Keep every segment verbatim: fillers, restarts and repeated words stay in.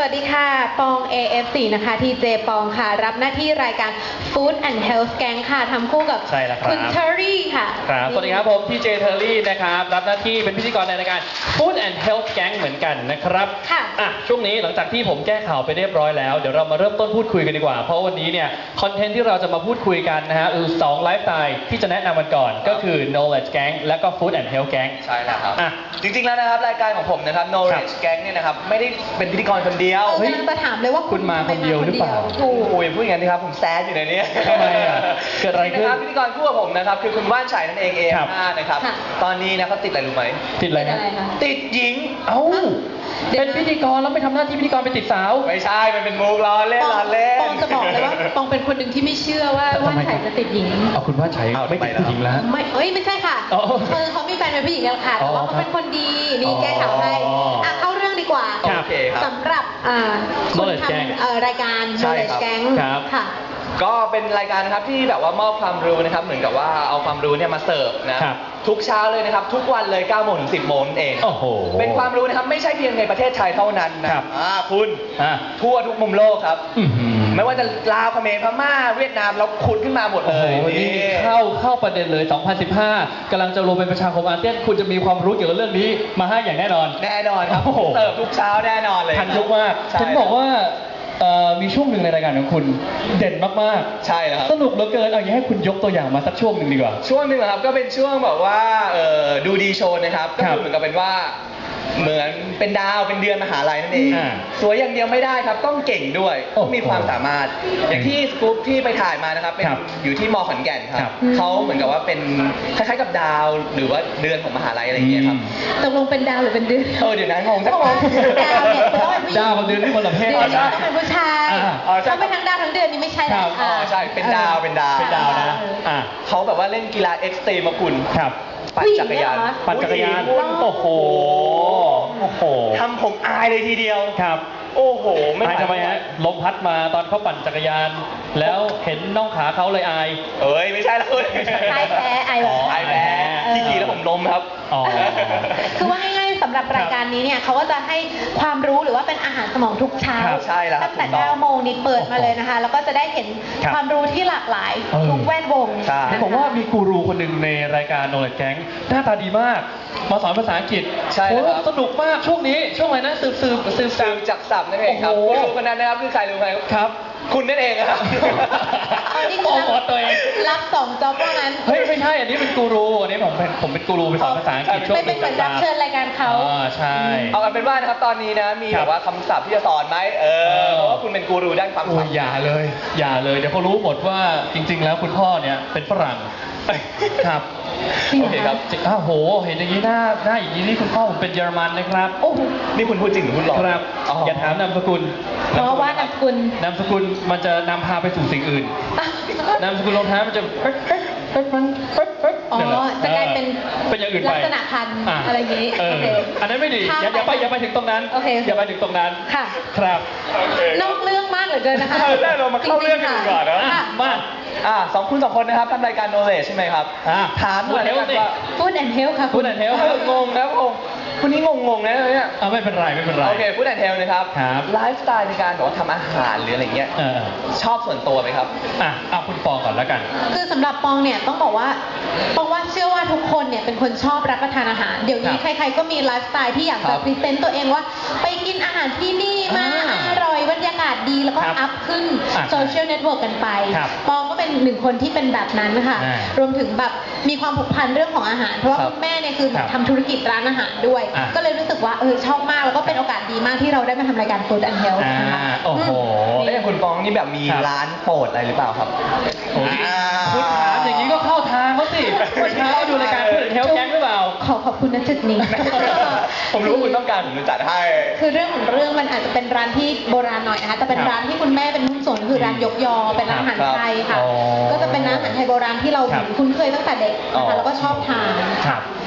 วัสดีค่ะปอง เอ เอฟ โฟร์ นะคะ ที เจ ปองค่ะรับหน้าที่รายการ Food and Health Gang ค่ะทำคู่กับคุณเทอร์รี่ค่ะครับสวัสดีครับผมที เจ เทอร์รี่นะครับรับหน้าที่เป็นพิธีกรในรายการ Food and Health Gang เหมือนกันนะครับค่ะอ่ะช่วงนี้หลังจากที่ผมแก้ข่าวไปเรียบร้อยแล้วเดี๋ยวเรามาเริ่มต้นพูดคุยกันดีกว่าเพราะวันนี้เนี่ยคอนเทนต์ที่เราจะมาพูดคุยกันนะฮะคือสองไลฟ์สไตล์ที่จะแนะนำกันก่อนก็คือ Knowledge Gang และก็ Food and Health Gang ใช่แล้วครับอ่ะจริงๆแล้วนะครับรายการของผมนะครับ Knowledge Gang เนี่ยนะครับไม่ได้เป็นพิธีกรคนเดียวเฮ้ยกำลังจะถามเลยว่าคุณมาคนเดียวหรือเปล่าโอ้ยพูดอย่างนี้ครับผมแซดอยู่ในนี้ทำไมอ่ะเกิดอะไรขึ้นนะครับพิธีกรคู่กับผมนะครับคือคุณว่านชัยนั่นเอง เอ เอ็ม ห้า นะครับตอนนี้นะเขาติดอะไรรู้ไหมติดอะไรนะติดหญิงเอ้าเป็นพิธีกรแล้วไปทำหน้าที่พิธีกรไปติดสาวไม่ใช่มันเป็นมุกล้อเล่นล้อเล่นปองจะบอกเลยว่าปองเป็นคนหนึ่งที่ไม่เชื่อว่าว่านชัยจะติดหญิงเอาคุณว่านชัยไม่ติดผู้หญิงแล้วไม่เอ้ยไม่ใช่ค่ะคือเขามีแฟนเป็นผู้หญิงแล้วค่ะแต่ว่าเขาเป็นคนดีนี่แก้ข่าวให้อ่ะเข้าเรื่องดีกว่าสำหรับคุณทำรายการ Knowledge Gang ค่ะก็เป็นรายการนะครับที่แบบว่ามอบความรู้นะครับเหมือนกับว่าเอาความรู้เนี่ยมาเสิร์ฟนะทุกเช้าเลยนะครับทุกวันเลยเก้าโมงถึงสิบโมงเองโอ้โหเป็นความรู้นะครับไม่ใช่เพียงในประเทศไทยเท่านั้นนะครับอ่าคุณทั่วทุกมุมโลกครับไม่ว่าจะลาวเขมรพม่าเวียดนามเราขุดขึ้นมาหมดเลยวันนี้เข้าเข้าประเด็นเลยสองพันสิบห้ากำลังจะรวมเป็นประชาคมอาเซียนคุณจะมีความรู้เกี่ยวกับเรื่องนี้มาให้อย่างแน่นอนแน่นอนครับเสิร์ฟทุกเช้าแน่นอนเลยทันยุคมากฉันบอกว่ามีช่วงหนึ่งในรายการของคุณเด่นมากๆใช่แล้วครับสนุกเหลือเกินเอาอย่างให้คุณยกตัวอย่างมาสักช่วงหนึ่งดีกว่าช่วงหนึ่งครับก็เป็นช่วงแบบว่าดูดีโชว์นะครับก็คือเหมือนกับเป็นว่าเหมือนเป็นดาวเป็นเดือนมหาลัยนั่นเองสวยอย่างเดียวไม่ได้ครับต้องเก่งด้วยต้องมีความสามารถอย่างที่สกู๊ปที่ไปถ่ายมานะครับเป็นอยู่ที่มอขอนแก่นครับเขาเหมือนกับว่าเป็นคล้ายๆกับดาวหรือว่าเดือนของมหาลัยอะไรอย่างเงี้ยครับตกลงเป็นดาวหรือเป็นเดือนเออเดี๋ยวนั้นงงสักคนดาวเนี่ยต้องเป็นผู้หญิงดาวกับเดือนที่คนละเพศต้องเป็นผู้ชายต้องเป็นทั้งดาวทั้งเดือนนี่ไม่ใช่แล้วอ๋อใช่เป็นดาวเป็นดาวเป็นดาวนะเขาแบบว่าเล่นกีฬาเอ็กซ์ตรีมคุณปั่นจักรยานปั่นจักรยานโอ้โหโอ้โหทำผมอายเลยทีเดียวครับโอ้โหไม่ทำไมฮะลมพัดมาตอนเขาปั่นจักรยานแล้วเห็นน่องขาเขาเลยอายเอ้ยไม่ใช่แล้วอายแพ้อายแบบอายแพ้ที่ขี่แล้วผมล้มครับคือว่าง่ายๆสำหรับรายการนี้เนี่ยเขาก็จะให้ความรู้หรือว่าเป็นอาหารสมองทุกเช้าตั้งแต่เก้าโมงนี้เปิดมาเลยนะคะแล้วก็จะได้เห็นความรู้ที่หลากหลายทุกแวดวงผมว่ามีกูรูคนหนึ่งในรายการ Knowledge Gang หน้าตาดีมากมาสอนภาษาอังกฤษใช่ครับสนุกมากช่วงนี้ช่วงอะไรนะสืบสืบสืบสืบจักศัพท์นั่นเองครับกูรูคนนั้นนะครับคือใครรู้ไหมครับคุณนั่นเองครับอันนี้คือรับสองจ็อบว่างั้นเฮ้ยไม่ใช่อันนี้เป็นกูรูอันนี้ผมเป็นผมเป็นกูรูไปสอนภาษาอังกฤษช่วงไม่เป็นเหมือนรับเชิญรายการเขาอ๋อใช่เอากันเป็นว่านะครับตอนนี้นะมีแบบว่าคำศัพท์ที่จะสอนไหมเออเพราะว่าคุณเป็นกูรูด้านความศัพท์อย่าเลยอย่าเลยเดี๋ยวเขารู้หมดว่าจริงๆแล้วคุณพ่อเนี่ยเป็นฝรั่งครับโอเคครับอ้าวโหเห็นอย่างนี้หน้าหน้าอย่างนี้นี่คุณพ่อผมเป็นเยอรมันนะครับโอ้นี่คุณพูดจริงหรือคุณหลอกครับอย่าถามนามสกุลเพราะว่านามสกุลนามสกุลมันจะนำพาไปสู่สิ่งอื่นนามสกุลรองเท้ามันจะเป๊ะเป๊ะเป๊ะมันเป๊ะเป๊ะอ๋อจะกลายเป็นเป็นอย่างอื่นไปลักษณะพันธุ์อะไรอย่างนี้อันนั้นไม่ดีอย่าไปอย่าไปถึงตรงนั้นอย่าไปถึงตรงนั้นค่ะครับนอกเรื่องมากเหลือเกินนะคะแรกเรามาเข้าเรื่องกันก่อนนะมาอ่าสองคุณสองคนนะครับทำรายการ Knowledge ใช่ไหมครับถามหน่อยนะครับว่า Food and Health ค่ะ Food and Health งงนะงงคุณนี้งงงนะเนี่ยอ่าไม่เป็นไรไม่เป็นไรโอเค Food and Health นะครับไลฟ์สไตล์ในการแบบว่าทำอาหารหรืออะไรเงี้ยชอบส่วนตัวไหมครับอ่ะเอาคุณปองก่อนแล้วกันคือสำหรับปองเนี่ยต้องบอกว่าปองว่าเชื่อว่าทุกคนเนี่ยเป็นคนชอบรับประทานอาหารเดี๋ยวนี้ใครๆก็มีไลฟ์สไตล์ที่อยากจะพรีเซนต์ตัวเองว่าไปกินอาหารที่นี่มาอร่อยบรรยากาศดีแล้วก็อัพขึ้นโซเชียลเน็ตเวิร์กกันไปปองก็เป็นหนึ่งคนที่เป็นแบบนั้นค่ะรวมถึงแบบมีความผูกพันเรื่องของอาหารเพราะว่าคุณแม่เนี่ยคือทำธุรกิจร้านอาหารด้วยก็เลยรู้สึกว่าเออชอบมากแล้วก็เป็นโอกาสดีมากที่เราได้มาทำรายการ Food and Health นะคะโอ้โหแล้วอย่างคุณปองนี่แบบมีร้านโปรดอะไรหรือเปล่าครับคุณถามอย่างนี้ก็เข้าทางเขาสิเมื่อเช้าดูรายการ Food and Health Gang หรือเปล่าขอขอบคุณณจุดนี้ผมรู้ว่าคุณต้องการผมจะจัดให้คือเรื่องของเรื่องมันอาจจะเป็นร้านที่โบราณหน่อยนะคะแต่เป็นร้านที่คุณแม่เป็นหุ้นส่วนคือร้านยกยอเป็นร้านอาหารไทยค่ะก็จะเป็นอาหารไทยโบราณที่เราคุ้นเคยตั้งแต่เด็กนะคะแล้วก็ชอบทาน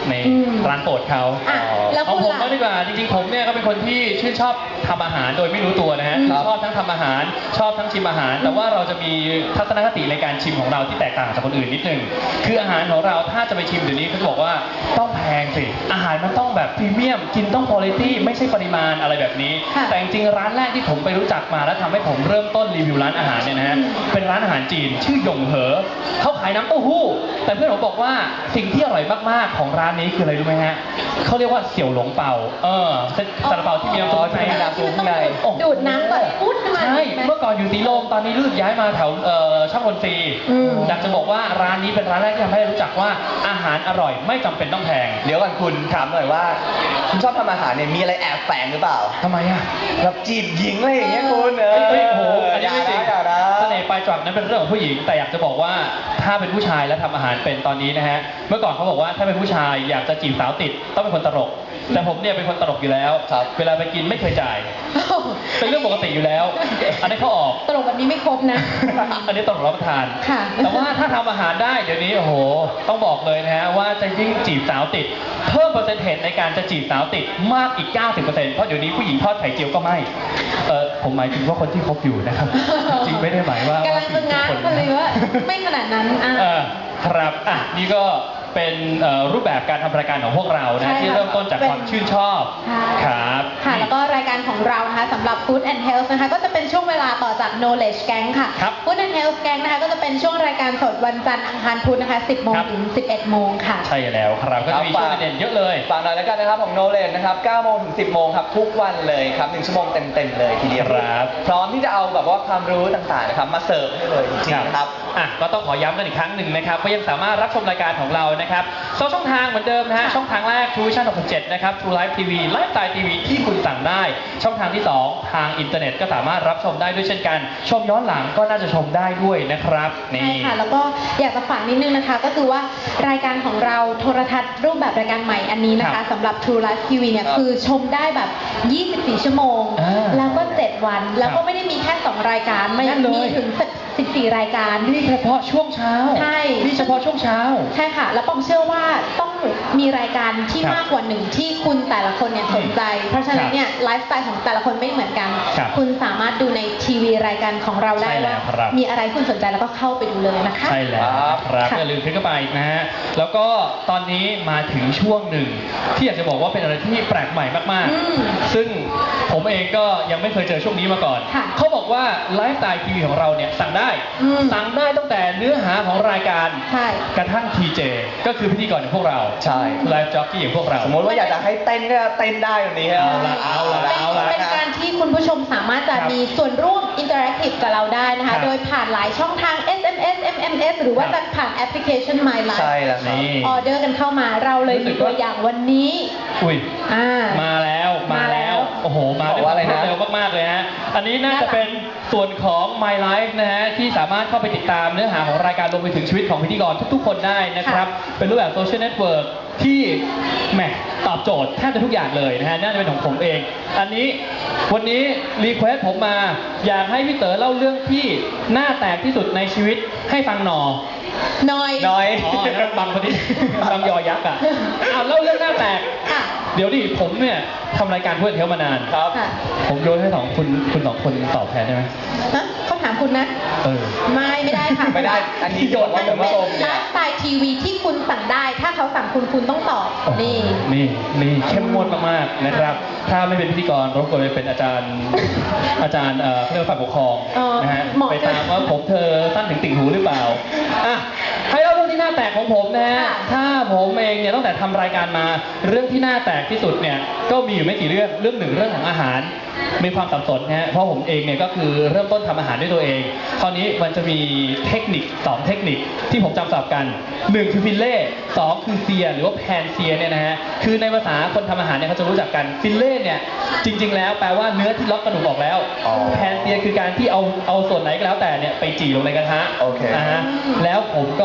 ในอืมร้านโปรดเขาอ่ะแล้วเอาคุณผมล่ะบ้างดีกว่าจริงๆผมเนี่ยก็เป็นคนที่ชื่นชอบทำอาหารโดยไม่รู้ตัวนะฮะอืมคือชอบทั้งทำอาหารชอบทั้งชิมอาหาร แต่ว่าเราจะมีทัศนคติในการชิมของเราที่แตกต่างจากคนอื่นนิดนึงคืออาหารของเราถ้าจะไปชิมเดี๋ยวนี้เขาจะบอกว่าต้องแพงสิอาหารมันต้องแบบพรีเมียมกินต้องคุณภาพไม่ใช่ปริมาณอะไรแบบนี้ค่ะแต่จริงๆร้านแรกที่ผมไปรู้จักมาแล้วทำให้ผมเริ่มต้นรีวิวร้านอาหารเนี่ยนะฮะเป็นร้านอาหารจีนชื่อหยงเหอเขาขายน้ำเต้าหู้แต่เพื่อนผมบอกว่าสิ่งที่อร่อยมากๆของร้านนี้คืออะไรรู้ไหมฮะเขาเรียกว่าเสี่ยวหลงเปาเออเป็นซาลาเปาที่มีน้ำซุปในอ๋อที่มันต้องดูดน้ำก่อนพุดขึ้นมาใช่ไหมเมื่อก่อนอยู่สีลมตอนนี้รู้สึกย้ายมาแถวเอ่อช่างมนตรีอืมอยากจะบอกว่าร้านนี้เป็นร้านแรกที่ทำให้รู้จักว่าอาหารอร่อยไม่จำเป็นต้องแพงเดี๋ยวก่อนคุณถามหน่อยว่า คุณชอบทำอาหารเนี่ยมีอะไรแอบแฝงหรือเปล่าทำไมอ่ะแบบจีบหญิงอะไรอย่างเงี้ยคุณเอเฮ้ยอโอ้โหอันนี้ไม่จริงอย่านะเสน่ห์ปลายจวักนั้นเป็นเรื่องของผู้หญิง แต่อยากจะบอกว่าถ้าเป็นผู้ชายแล้วทำอาหารเป็นตอนนี้นะฮะ เมื่อก่อนเขาบอกว่าถ้าเป็นผู้ชายอยากจะจีบสาวติดต้องเป็นคนตลก แต่ผมเนี่ยเป็นคนตลกอยู่แล้วครับเวลาไปกินไม่เคยจ่าย เป็นเรื่องปกติอยู่แล้ว อันนี้เขาออกตลกแบบนี้ไม่ครบนะอันนี้ต้องรับประทานค่ะแต่ว่าถ้าทำอาหารได้เดี๋ยวนี้โอ้โห ต้องบอกเลยนะฮะว่าจะยิ่งจีบสาวติด เพิ่มเปอร์เซ็นต์เทจในการจะจีบสาวติดมากอีก เก้าสิบเปอร์เซ็นต์ เพราะเดี๋ยวนี้ผู้หญิงทอดไข่เจียวก็ไม่ เออผมหมายถึงว่าคนที่คบอยู่นะครับ จริงไม่ได้หมายว่ากำลังจะง้างทุกกันนเลยว่าไม่ขนาดนั้นอ่ะเออครับอ่ะนี่ก็เป็นเอ่อรูปแบบการทำรายการของพวกเราใช่นะค่ะที่เริ่มต้นจากเป็นความชื่นชอบใช่ครับค่ะ แล้วก็รายการของเรานะคะสำหรับ Food and Health นะคะก็จะเป็นช่วงเวลาต่อจาก Knowledge Gang ค่ะครับ Food and Health Gang นะคะก็จะเป็นช่วงรายการสดวันจันทร์อังคารพุธนะคะ สิบโมงครับถึง สิบเอ็ดโมงค่ะใช่แล้วครับก็จะมีครับช่วงเด่นๆเยอะเลยฝากหน่อยแล้วกันนะครับของ Knowledge นะครับเก้าโมงถึงสิบโมงครับทุกวันเลยครับหนึ่งชั่วโมงเต็มๆเลยทีเดียวครับพร้อมที่จะเอาแบบว่าความรู้ต่างๆนะครับมาเสิร์ฟให้เลยจริงๆนะครับอ่ะก็ต้องขอย้ำกันอีกครั้งหนึ่งนะครับว่ายังสามารถรับชมรายการของเรานะครับสองช่องทางเหมือนเดิมนะฮะค่ะช่องทางแรก True Vision หกสิบเจ็ดนะครับ True Life ที วี Lifestyle ที วี ที่คุณสั่งได้ ช่องทางที่สองทางอินเทอร์เน็ตก็สามารถรับชมได้ด้วยเช่นกัน ชมย้อนหลังก็น่าจะชมได้ด้วยนะครับใช่นี่ค่ะ แล้วก็อยากจะฝากนิดนึงนะคะ ก็คือว่ารายการของเราโทรทัศน์รูปแบบรายการใหม่อันนี้นะครัคะบสำหรับ True Life ที วีเนี่ยครับคือชมได้แบบ ยี่สิบสี่ ชั่วโมงอ่าแล้วก็ เจ็ด วัน แล้วครัก็บไม่ได้มีแค่ สอง รายการไม่นั่นเลยมีถึง สิบสี่ รายการนี่เฉพาะช่วงเช้าใช่นี่เฉพาะช่วงเช้าใช่ค่ะ แล้วปองเชื่อว่าต้องมีรายการที่ครับมากกว่าหนึ่งที่คุณแต่ละคนเนี่ยสนใจ เพราะฉะนั้นเนี่ยไลฟ์สไตล์ของแต่ละคนไม่เหมือนกันครับคุณสามารถดูในทีวีรายการของเราได้ใช่แล้ว่าวครับมีอะไรที่คุณสนใจแล้วก็เข้าไปดูเลยนะคะใช่แล้วครับค่ะอย่าลืมคลิกเข้าไปนะฮะ แล้วก็ตอนนี้มาถึงช่วงหนึ่ง ที่อยากจะบอกว่าเป็นอะไรที่แปลกใหม่มากอืมๆ ซึ่งผมเองก็ยังไม่เคยเจอช่วงนี้มาก่อนค่ะเขาบอกว่าไลฟ์สไตล์ทีวีของเราเนี่ยสั่งได้อืมสั่งได้ตั้งแต่เนื้อหาของรายการใช่กระทั่งทีเจก็คือพิธีกรอย่างพวกเราใช่ไลฟ์จ็อกกี้อย่างพวกเราสมมติว่าอยากจะให้เต้นก็เต้นได้แบบนี้ครับเอาละเอาละเป็นเอาละเป็นการที่คุณผู้ชมสามารถจะครับมีส่วนร่วมอินเ r อร์แอคทีฟกับเราได้นะครัคะบโดยผ่านหลายช่องทาง เอส เอ็ม เอส เอ็ม เอ็ม เอส หรือว่าครัจะบผ่านแอปพลิเคชัน My ใช่ Life แล้วครับนี่ออเดอร์กันเข้ามาเราเลยรู้สึมีกตัวว่าอย่างวันนี้อุ้ยอ่ามาแล้วมามาแล้แล้ววโอ้โห มาด้วยบอกว่าอะไรความรวดนะเร็วมาก ๆ เลยฮะ อันนี้น่าน่ารัจะกเป็นส่วนของ My Life นะฮะ ที่สามารถเข้าไปติดตามเนื้อหาของรายการรวมไปถึงชีวิตของพิธีกรทุก ๆ คนได้นะครับ เป็นรูปแบบโซเชียลเน็ตเวิร์กที่แหมตอบโจทย์แทบจะทุกอย่างเลยนะฮะ น่าจะเป็นของผมเอง อันนี้วันนี้รีเควสผมมา อยากให้พี่เต๋อเล่าเรื่องที่หน้าแตกที่สุดในชีวิตให้ฟังหนอน้อยน้อยอ๋อนั่นบางพอดี บางยอยักษ์อ่ะอ้าวเล่าเรื่องหน้าแตกค่ะเดี๋ยวดิผมเนี่ยทำรายการเพื่อนเทลมานานครับค่ะผมโยนให้สองคุณคุณสองคนตอบแทนได้ไหมฮะเขาถามคุณนะเออไม่ไม่ได้ค่ะไม่ได้ อันนี้โยนมัว่าน คุณเป็ผู้นชมไลเนี่ยฟ์สไตล์ทีวีที่คุณสั่งได้ ถ้าเขาสั่งคุณคุณต้องตอบโอ้โหนี่นี่นี่เข้มงวดมากๆนะครับ ถ้าไม่เป็นพิธีกรรบกวนไปเป็นอาจารย์ อาจารย์เอ่อเรื่องฝ่ายปกครองเออนะฮะเหมาะไปตามว่าผมเธอสั้นถึงติ่งหูหรือเปล่าอ่ะให้เล่าเรื่องที่หน้าแตกของผมนะฮะค่ะถ้าผมเองเนี่ยตั้งแต่ทำรายการมาเรื่องที่หน้าแตกที่สุดเนี่ยก็มีอยู่ไม่กี่เรื่องเรื่องหนึ่งเรื่องของอาหาร มีความสับสนนะฮะเพราะผมเองเนี่ยก็คือเริ่มต้นทำอาหารด้วยตัวเอง คราวนี้มันจะมีเทคนิคสองเทคนิคที่ผมจำศัพท์กันหนึ่งคือฟิลเล่สองคือเซียหรือว่าแพนเซียเนี่ยนะฮะคือในภาษาคนทำอาหารเนี่ยเขาจะรู้จักกันฟิลเล่เนี่ยจริง ๆ แล้วแปลว่าเนื้อที่ล็อกกระดูกออกแล้วอ๋อแพนเซียคือการที่เอาเอาส่วนไหนก็แล้วแต่เนี่ยไปจี่ลงในกระทะโอเคนะฮะแล้วผมก็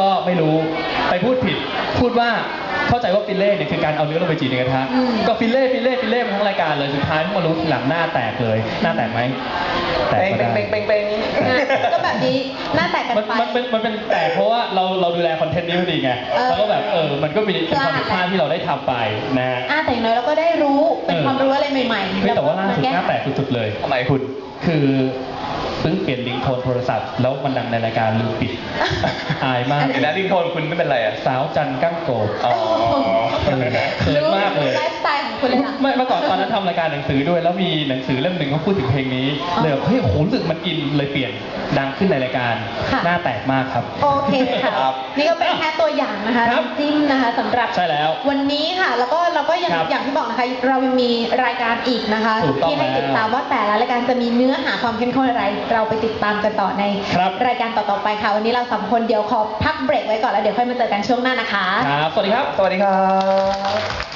ไม่รู้ไปพูดผิด พูดว่าเข้าใจว่าฟิลเล่เนี่ยคือการเอาเนื้อลงไปจีในกระทะอืมก็ฟิลเล่ฟิลเล่ฟิลเล่มาทั้งรายการเลยสุดท้ายเพิ่งมารู้ทีหลังหน้าแตกเลยหน้าแตกไหมแตกเป่งก็เป่งได้เป่งเป่งเป่งนะก็แบบนี้หน้าแตกกันมันไปมันเป็นมันเป็นแตกเพราะว่าเราเราดูแลคอนเทนต์นี้พอดีไงเออแล้วก็แบบเออมันก็มีเป็นความผิดพพลาลาดดที่เราได้ทำไปนะฮะอ่าแต่อย่างน้อยเราก็ได้รู้เป็นเออความรู้อะไรใหม่ๆเฮ้ยแต่ว่าล่าสุดแก้หน้าไขแตกสุดๆเลยทำไมคุณคือเพิ่งเปลี่ยนลิงก์โทนโทรศัพท์ แล้วมันดังในรายการลืมปิด อายมากเดี๋ยวนะลิงโทนคุณไม่เป็นไรอ่ะสาวจันกั้งโกบอ๋อเออเขินมากเลยไลฟ์สไตล์ของคุณเลยล่ะไม่เมื่อก่อนตอนนั้นทำรายการหนังสือด้วย แล้วมีหนังสือเล่มหนึ่งเขาพูดถึงเพลงนี้อ๋อเลยแบบเฮ้ยโหรู้สึกมันอินเลยเปลี่ยนดังขึ้นในรายการค่ะหน้าแตกมากครับโอเคค่ะครับนี่ก็เป็นแค่ตัวอย่างนะคะครับน้ำจิ้มนะคะสำหรับใช่แล้ววันนี้ค่ะแล้วก็เราก็ยังครับอย่างที่บอกนะคะ เรายังมีรายการอีกนะคะถูกต้องที่ให้แล้วติดตามว่าแต่ละรายการจะมีเนื้อหาความเข้มข้นอะไร เราไปติดตามกันต่อในครับรายการต่อๆไปค่ะ วันนี้เราสามคนเดี๋ยวขอพักเบรกไว้ก่อนแล้วเดี๋ยวค่อยมาเจอกันช่วงหน้านะคะครับ สวัสดีครับสวัสดีครับ